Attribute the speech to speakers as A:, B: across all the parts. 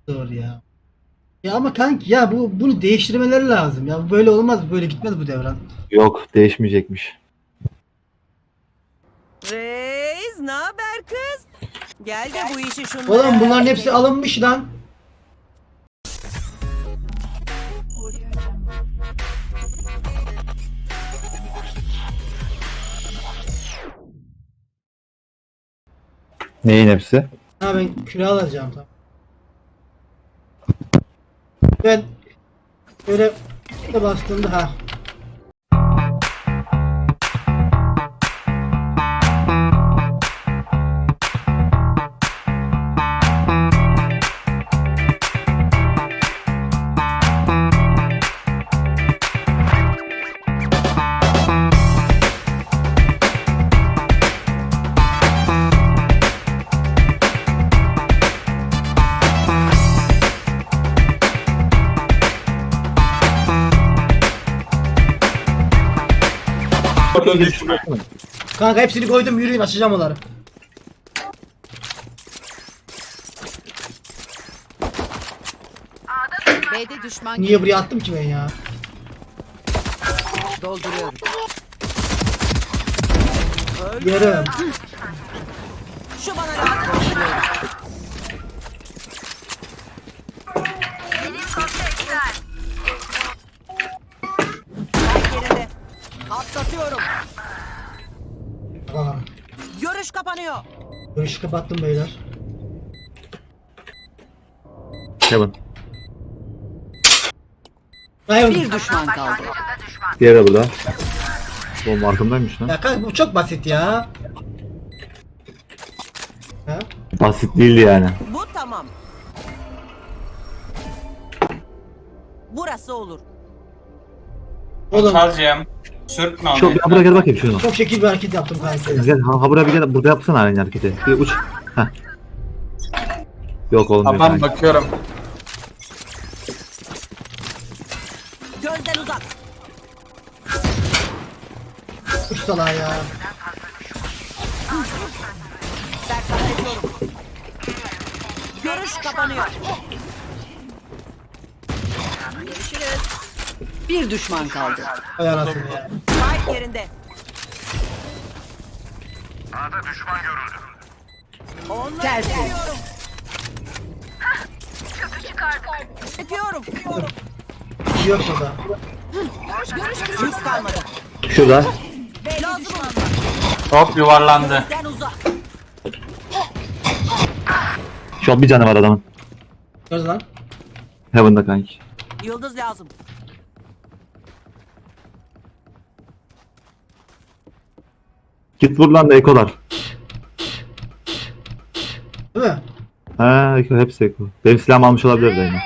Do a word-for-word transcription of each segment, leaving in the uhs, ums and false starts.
A: Doğru ya. Ya ama kanki ya bu bunu değiştirmeleri lazım. Ya böyle olmaz, böyle gitmez bu devran.
B: Yok, değişmeyecekmiş.
C: Reis, ne haber kız? Gel de bu işi şunlara
A: Oğlum bunların hepsi
C: halledelim.
A: alınmış lan.
B: Neyin hepsi?
A: Ha ben küre alacağım tamam. Ben böyle de bastığımda ha.
D: Oradan düşme.
A: Kanka hepsini koydum, yürüyün açacağım onları.
E: B'de düşman
A: Niye buraya attım ki ben ya?
E: dolduruyorum.
A: Yarım.
C: Şu bana lazım. Bak yerinde. Atlatıyorum.
A: Aa,
C: Görüş kapanıyor.
A: görüşü kapattım beyler.
B: Kevin.
A: Hayır.
E: Bir düşman kaldı.
B: Diğeri de burada. Oğlum arkamdaymış lan.
A: Ya kanka bu çok basit ya. Ha?
B: Basit değildi yani.
C: Bu tamam. Burası olur.
A: Oğlum
D: Çalacağım. Sürtme onu.
B: Çok, ya buraya gel bakayım şunu.
A: çok şekil bir hareket yaptım kanka.
B: Gel, ha, ha buraya bir gel, burada yapsana aynı hareketi. Bir uç. Heh. Yok olmuyor.
D: Tamam
B: kanki.
D: bakıyorum.
C: Gözden uzak.
A: Uç salağa ya.
C: Sersemletiyorum. Görüş kapanıyor. Görüşürüz.
E: Bir düşman kaldı.
A: Hay anasını ya.
C: Spike yerinde. Onları
E: Tersi.
C: çekiyorum. Çekiyorum.
A: Bir şey yok burada.
C: Hız kalmadı.
B: Şurada.
C: Lazım olan.
D: Hop yuvarlandı.
C: Gözden uzak.
B: Şu an bir canı var adamın.
A: Göz lan.
B: Heaven'da kanki.
C: Yıldız lazım.
B: Git vur lan da ekolar.
A: Değil mi?
B: Ha eko, hepsi eko. Benim silahımı almış olabilir de yine.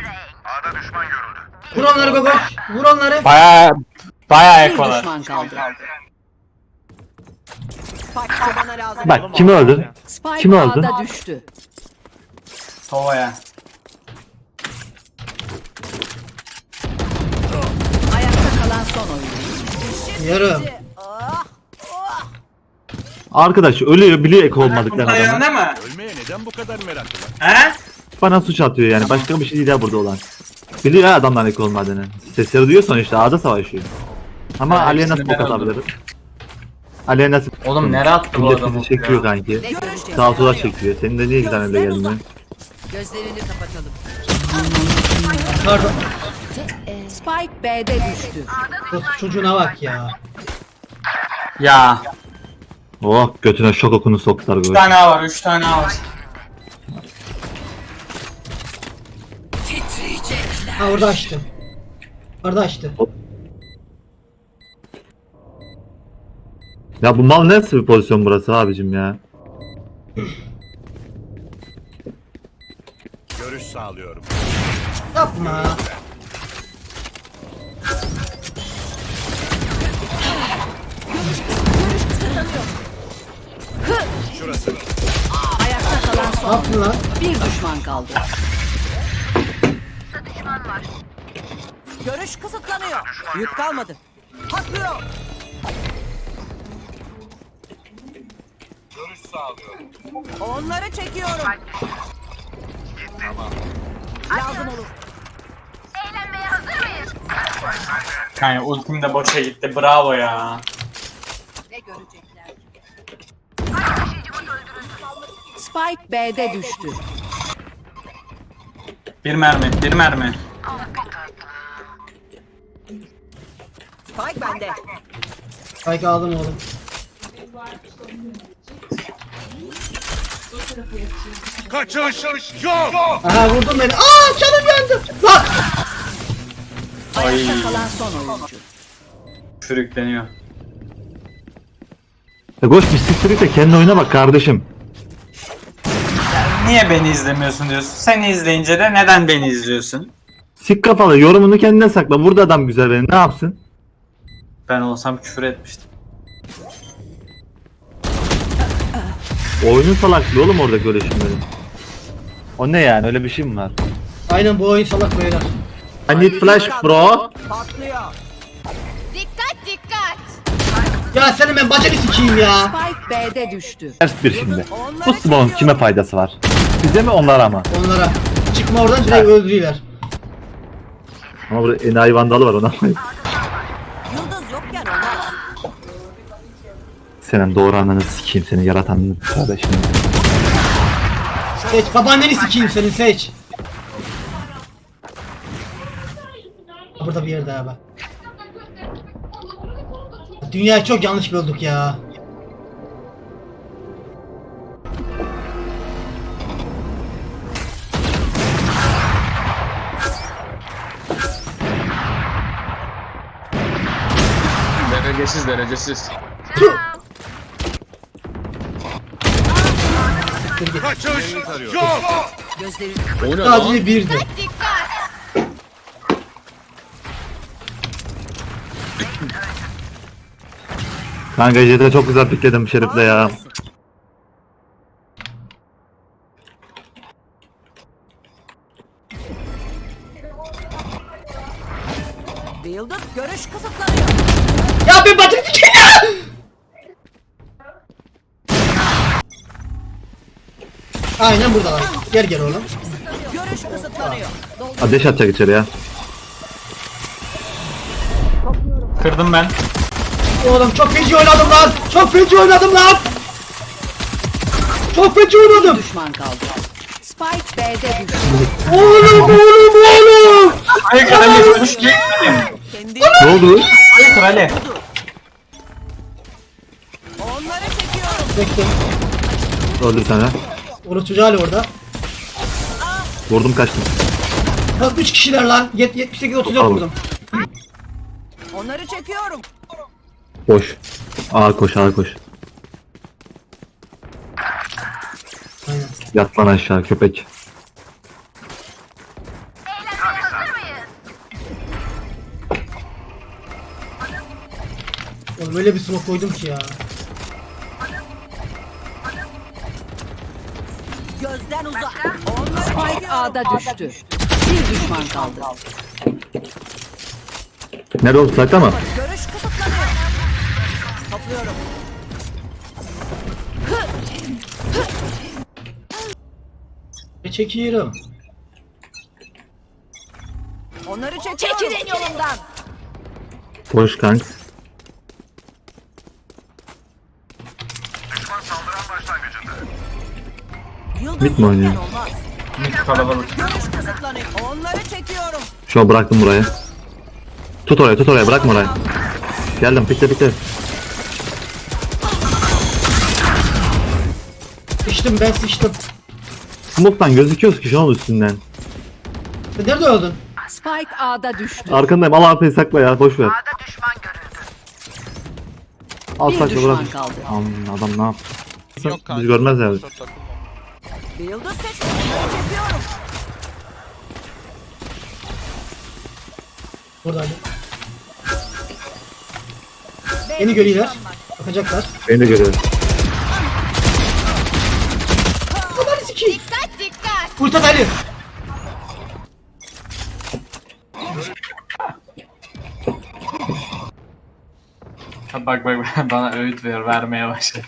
A: Vur onları Gogoş. Vur onları.
D: Baya baya
E: Bir
D: ekolar.
E: düşman kaldı.
C: Spike bana lazım.
B: Bak kimi öldün?
E: Spike
B: Kim öldü?
E: A'da düştü.
D: Tovaya.
E: Ayakta kalan son oyuncu.
A: Yarım.
C: Ah, ah.
B: Arkadaş ölüyor biliyor eko olmadıklarını adamın.
D: Dayandı mı?
F: Ölmeye neden bu kadar meraklılar?
D: He?
B: Bana suç atıyor yani. Başka bir şey değil ya burada olan. Biliyor ya adamlar eko olmadığını. Sesleri duyuyor sonuçta A'da savaşıyor. Ama
D: Ya,
B: Ali'ye nasıl
D: hepsini
B: bok
D: ben
B: atabiliriz? Ali'ye nasıl...
D: Oğlum nereye attı bu
B: Millet
D: adamı
B: bizi çekiyor
D: ya?
B: kanki.
E: Ne göreceğiz?
B: Sağa sola çekiyor. Senin de niye güzel öyle geldin?
E: Gözlerini kapatalım.
A: Pardon.
E: Spike B'de düştü.
A: Kız çocuğuna bak ya.
D: Ya.
B: Oh götüne şok okunu soktular
D: Üç
B: böyle.
D: tane A var. Üç tane A var.
A: Ha orada açtı. Orada açtı.
B: Ya bu mal nasıl bir pozisyon burası abicim ya?
F: Görüş sağlıyorum.
A: Yapma.
F: Şurası.
E: Ayakta kalan
A: Ne
E: son.
A: yaptın lan?
E: Bir düşman kaldı.
C: Görüş kısıtlanıyor. Yük kalmadı. Patlıyor. Onları çekiyorum.
E: Lazım olur.
D: Yani ultim de boşa gitti. Bravo ya.
E: Ne görecekler? Spike B'de düştü.
D: Bir mermi, bir mermi.
C: Spike bende.
A: Spike aldım oğlum.
F: Kaçış yok.
A: Aha vurdun beni. Aa canım yandı. Lan.
E: Ayakta kalan son oyuncu.
D: Sürükleniyor.
B: E koş bir siktir git de kendi oyuna bak kardeşim.
D: Niye beni izlemiyorsun diyorsun. Seni izleyince de neden beni izliyorsun?
B: Sik kafalı yorumunu kendine sakla. Burada adam güzel benim. Ne yapsın?
D: Ben olsam küfür etmiştim.
B: Oyunun salaklığı oğlum orada öyle şimdi. O ne yani? Öyle bir şey mi var?
A: Aynen bu oyun salak beyler.
B: I need flash bro.
C: Patlıyor.
G: Dikkat dikkat.
A: Ya senin ben bacını sikeyim ya.
E: Spike B'de düştü.
B: Ters bir şimdi. Bu smoke'un kime faydası var? Bize mi onlara mı?
A: Onlara. Çıkma oradan direkt öldürüyorlar.
B: Ama burada enayi vandalı var ona.
C: Yıldız yokken olmaz.
B: Senin doğru ananı sikeyim seni yaratanını kardeşim.
A: Seç babaanneni sikeyim senin seç. Burada bir yerde abi. Dünyayı çok yanlış böldük ya.
H: Derecesiz derecesiz.
F: Kaçış yok.
E: Gözlerini
H: O ne lan?
A: Sadece birdi.
G: Dikkat.
B: Kanka Jet'e çok güzel pikledim Şerif'le ya.
C: Bir yıldız görüş kısıtlanıyor.
A: Ya ben bacını sikeyim ya. Aynen burada var. Gel gel oğlum.
C: Görüş kısıtlanıyor.
B: Ateş atacak içeri ya.
D: Kırdım ben.
A: Oğlum çok feci oynadım lan. Çok feci oynadım lan. Çok feci oynadım.
E: düşman kaldı. Spike B'de düştü.
A: Oğlum oğlum oğlum.
D: Hayır krali. Hoş geldin.
C: Kendi
B: Ne oldu?
D: Hayır krali.
C: onları çekiyorum.
A: Bekle.
B: Öldür sana.
A: Orası çocuğu hala orada.
B: Vurdum kaçtım.
A: Bak üç kişiler lan. Yet- yetmiş sekiz otuz dört
B: Al.
A: vurdum.
C: Onları çekiyorum.
B: Boş. Ağa koş ağa koş.
A: Aynen.
B: Yat lan aşağı köpek.
A: Oğlum öyle bir smoke koydum ki ya.
C: Gözden uzak. Onları
E: Spike
C: çekiyorum.
E: A'da düştü. Bir düşman kaldı.
B: Nerede oldu sakla mı?
C: Görüş kısıtlanıyor. Topluyorum.
A: E çekiyorum.
C: Onları çekiyorum. Çekilin yolumdan.
B: Boş kanks.
C: Yıldız
B: Mid mi oynuyor?
C: yokken olmaz.
D: Kalabalık.
C: Görüş kısıtlanıyor. Onları çekiyorum.
B: Şu an bıraktım buraya. Tut oraya tut oraya bırakma oraya. Geldim pikle pikle.
A: Sıçtım ben sıçtım.
B: Smoke'tan gözüküyoruz ki şu an üstünden.
A: Sen nerede öldün?
E: Spike A'da düştü.
B: Arkandayım al A P'yi sakla ya boş ver. Al
E: Bir
B: sakla
E: düşman
B: bırak.
E: kaldı.
B: Aman adam ne yaptı? Biz görmez yani.
C: Bir yıldız seç. Onları çekiyorum.
A: Burada Ali. Beni görüyorlar. Bakacaklar.
B: Beni de görüyorum.
A: Aman sikeyim.
G: Dikkat dikkat.
A: Kurtar Ali.
D: Bak bak bak, bana öğüt ver, vermeye başladı.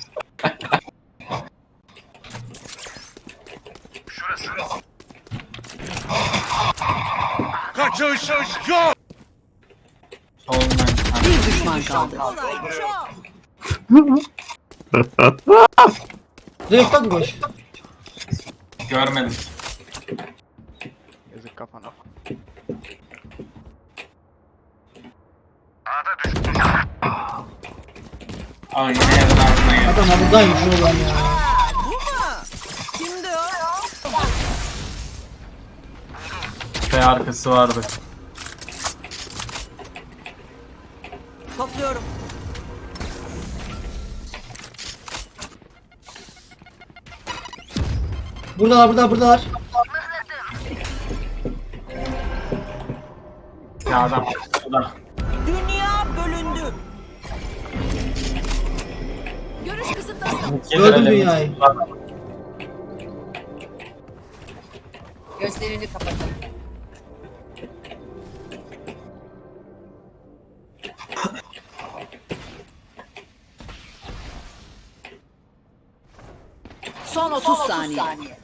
F: Kaçış yok.
D: Solundan.
E: Bir düşman kaldı.
C: Olay çok.
A: Direkt bak boş.
D: Görmedim.
I: Yazık kafana.
D: Ay ne yerden aklına geldi.
A: Adam buradaymış oğlum ya.
C: Bu mu? Kimdi o?
D: Ve arkası vardı.
C: Topluyorum.
A: Buradalar buradalar buradalar.
D: Ya adam. Adam.
C: Dünya bölündü.
G: Görüş kısıtlanıyor.
A: Gördüm dünyayı.
E: Gözlerini kapatın. Son otuz saniye.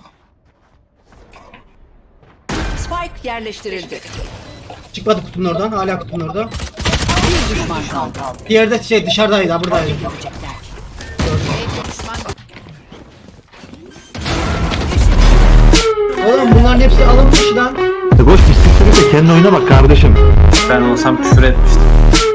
E: Spike yerleştirildi.
A: Çıkmadı kutunun oradan. Hala kutunun orada.
E: Bir düşman kaldı.
A: Diğeri de şey dışarıdaydı ha buradaydı. Oğlum bunların hepsi alınmış lan.
B: E boş bir siktir de kendi oyuna bak kardeşim.
D: Ben olsam küfür etmiştim.